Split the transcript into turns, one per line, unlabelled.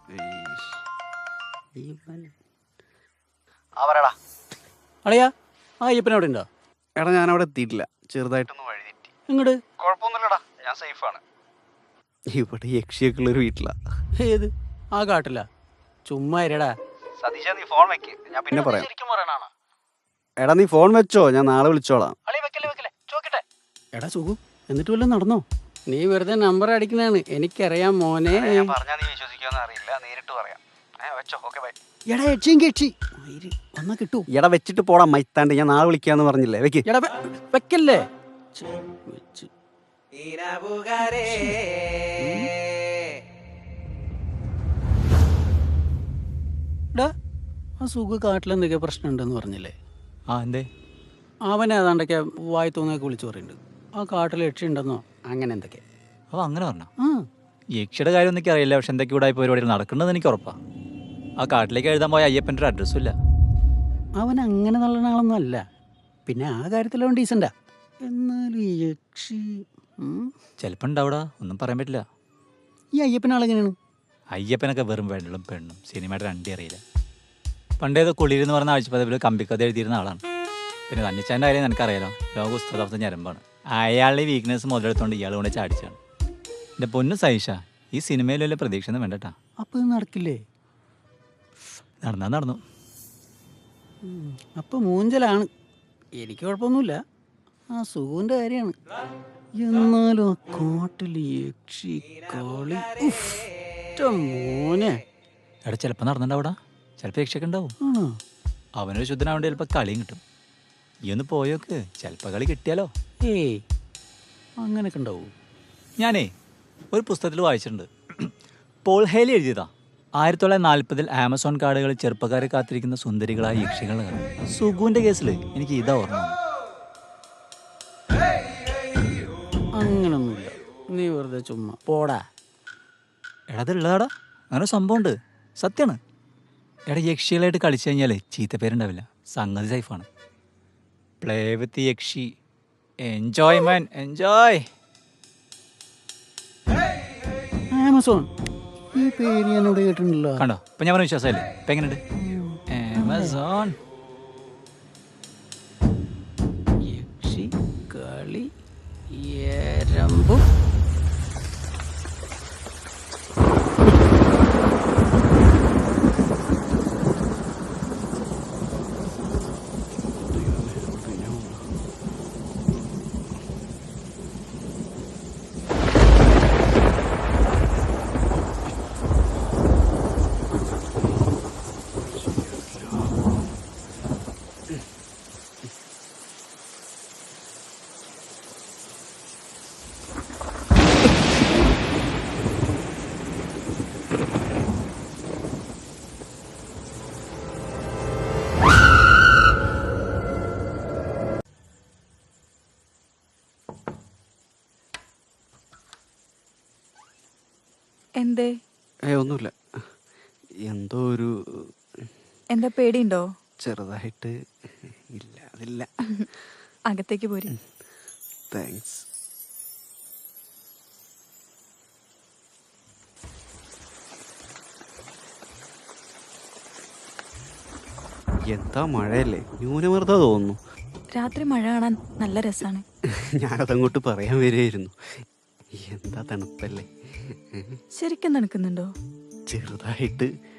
അളിയാ ആ അയ്യപ്പനവിടെ ഉണ്ടോ?
എടാ ഞാനവിടെ എത്തിയിട്ടില്ല, ചെറുതായിട്ടൊന്ന് വഴി തെറ്റി.
ഇങ്ങോട്ട്.
കുഴപ്പമൊന്നുമില്ലടാ, ഞാൻ സേഫാണ്. ഇവിടെ യക്ഷിയൊക്കെ ഉള്ളൊരു വീട്ടിലാ.
ഏത്? ആ കാട്ടില്ല. ചുമ്മാ ഇരടാ.
സതീശ നീ ഫോൺ വെക്ക്, ഞാൻ പിന്നെ പറയാം.
ശരിക്കും പറയണാണ്.
എടാ നീ ഫോൺ വെച്ചോ, ഞാൻ നാളെ വിളിച്ചോളാം.
എടാ സുഖു, എന്നിട്ട് വല്ലതും നടന്നോ? നീ വെറുതെ നമ്പർ അടിക്കുന്നതാണ്, എനിക്കറിയാം മോനെ.
ഞാൻ പറഞ്ഞാ നീ വിശ്വസിക്കുമെന്ന് അറിയില്ല, നേരിട്ട് പറയാം. വെച്ചോ, ഓക്കെ ബൈ.
എടാ യക്ഷിയും വന്നാ കിട്ടൂ.
എടാ വെച്ചിട്ട് പോടാ മൈത്താണ്ട്, ഞാൻ നാളെ വിളിക്കാന്ന് പറഞ്ഞില്ലേ, വെക്ക്.
എടാ വെക്കല്ലേ. എടാ ആ സുഖ കാട്ടിലെന്തൊക്കെ പ്രശ്നം ഉണ്ടെന്ന് പറഞ്ഞില്ലേ?
ആ എന്തേ?
അവനെ ഏതാണ്ടൊക്കെ വായി തോന്നിയൊക്കെ വിളിച്ചു പറയുന്നുണ്ട്. ആ കാട്ടിൽ യക്ഷി ഉണ്ടെന്നോ അങ്ങനെ എന്തൊക്കെ.
അപ്പോൾ അങ്ങനെ പറഞ്ഞോ?
ആ
യക്ഷിയുടെ കാര്യം ഒന്നും അറിയില്ല, പക്ഷെ എന്തൊക്കെ ഇവിടെ പരിപാടികൾ നടക്കുന്നത് എനിക്ക് ഉറപ്പാണ്. ആ കാട്ടിലേക്ക് എഴുതാൻ പോയ അയ്യപ്പൻ്റെ ഒരു അഡ്രസ്സും ഇല്ല.
അവൻ അങ്ങനെ നല്ല ആളൊന്നും അല്ല, പിന്നെ ആ കാര്യത്തിലവൻ ഡീസൻ്റാ. എന്നാലും ഈ യക്ഷി
ചിലപ്പോൾ ഉണ്ടാവിടാ, ഒന്നും പറയാൻ പറ്റില്ല.
ഈ അയ്യപ്പനാളെങ്ങനെയാണ്?
അയ്യപ്പനൊക്കെ വെറും വെള്ളം പെണ്ണും സിനിമയുടെ രണ്ടേ അറിയില്ല. പണ്ടേത് കുളിരെന്ന് പറഞ്ഞ ആഴ്ചപ്പതിൽ കമ്പിക്കഥ എഴുതിയിരുന്ന ആളാണ്. പിന്നെ തന്നിച്ചാൻ്റെ കാര്യം എനിക്കറിയാലോ, ലോക പുസ്തകത്തെ ഞരമ്പാണ്. അയാളുടെ വീക്ക്നെസ് മുതലെടുത്തോണ്ട് ഇയാൾ കൊണ്ട് ചാടിച്ചാണ്. എൻ്റെ പൊന്നു സൈഷ, ഈ സിനിമയിൽ വലിയ പ്രതീക്ഷ ഒന്നും വേണ്ടട്ടാ.
അപ്പോൾ ഇത് നടക്കില്ലേ?
നടന്നു.
അപ്പോൾ മൂഞ്ചലാണ്. എനിക്ക് കുഴപ്പമൊന്നുമില്ല, ആ സുഖുവിൻ്റെ കാര്യമാണ്. എന്നാലും ആ കാട്ടിൽ യക്ഷി കളി മോനെ.
എടാ ചിലപ്പോൾ നടന്നിട്ടുണ്ടാവിടാ, ചിലപ്പോൾ യക്ഷയൊക്കെ ഉണ്ടാവും.
ആണോ?
അവനൊരു ശുദ്ധനാവേണ്ടി ചിലപ്പോൾ കളിയും കിട്ടും. ഈ ഒന്ന് പോയോക്ക്, ചിലപ്പോൾ കളി കിട്ടിയാലോ.
ഏയ് അങ്ങനെയൊക്കെ ഉണ്ടാവും.
ഞാനേ ഒരു പുസ്തകത്തിൽ വായിച്ചിട്ടുണ്ട്. Paul Haley എഴുതിയതാ. 1940 ആമസോൺ കാടുകളിൽ ചെറുപ്പക്കാരെ കാത്തിരിക്കുന്ന സുന്ദരികളായ യക്ഷികളുടെ കഥ. സുഗുവിൻ്റെ കേസിൽ എനിക്ക് ഇതാ ഓർമ്മ.
അങ്ങനൊന്നുമില്ല, നീ വെറുതെ ചുമ്മാ പോടാ.
എടാ അതുള്ളതാടാ, അങ്ങനെ സംഭവമുണ്ട്, സത്യമാണ്. എടാ യക്ഷികളായിട്ട് കളിച്ചു കഴിഞ്ഞാൽ ചീത്തപ്പേരുണ്ടാവില്ല, സംഗതി സേഫാണ്. പ്ലേ വിത്ത് യക്ഷി, എൻജോയ് മാൻ എൻജോയ്.
ആമസോൺ ഈ പേര് ഞാനിവിടെ കേട്ടിട്ടുണ്ടല്ലോ.
കണ്ടോ, ഇപ്പം ഞാൻ പറഞ്ഞ വിശ്വാസമല്ലേ? ഇപ്പം എങ്ങനെയുണ്ട് ആമസോൺ?
യക്ഷി കളി എരമ്പും.
എന്തേ?
ഒന്നുമില്ല, എന്തോ ഒരു
എന്താ പേടിയുണ്ടോ?
ചെറുതായിട്ട്. ഇല്ല അതില്ല.
അകത്തേക്ക് പോര്.
താങ്ക്സ്. എന്താ മഴയല്ലേ, ന്യൂനമർദ്ദം തോന്നുന്നു.
രാത്രി മഴ കാണാൻ നല്ല രസാണ്.
ഞാനതങ്ങോട്ട് പറയാൻ വരുമായിരുന്നു. എന്താ തണുപ്പല്ലേ.
ശരിക്കും നടക്കുന്നുണ്ടോ?
ചെറുതായിട്ട്.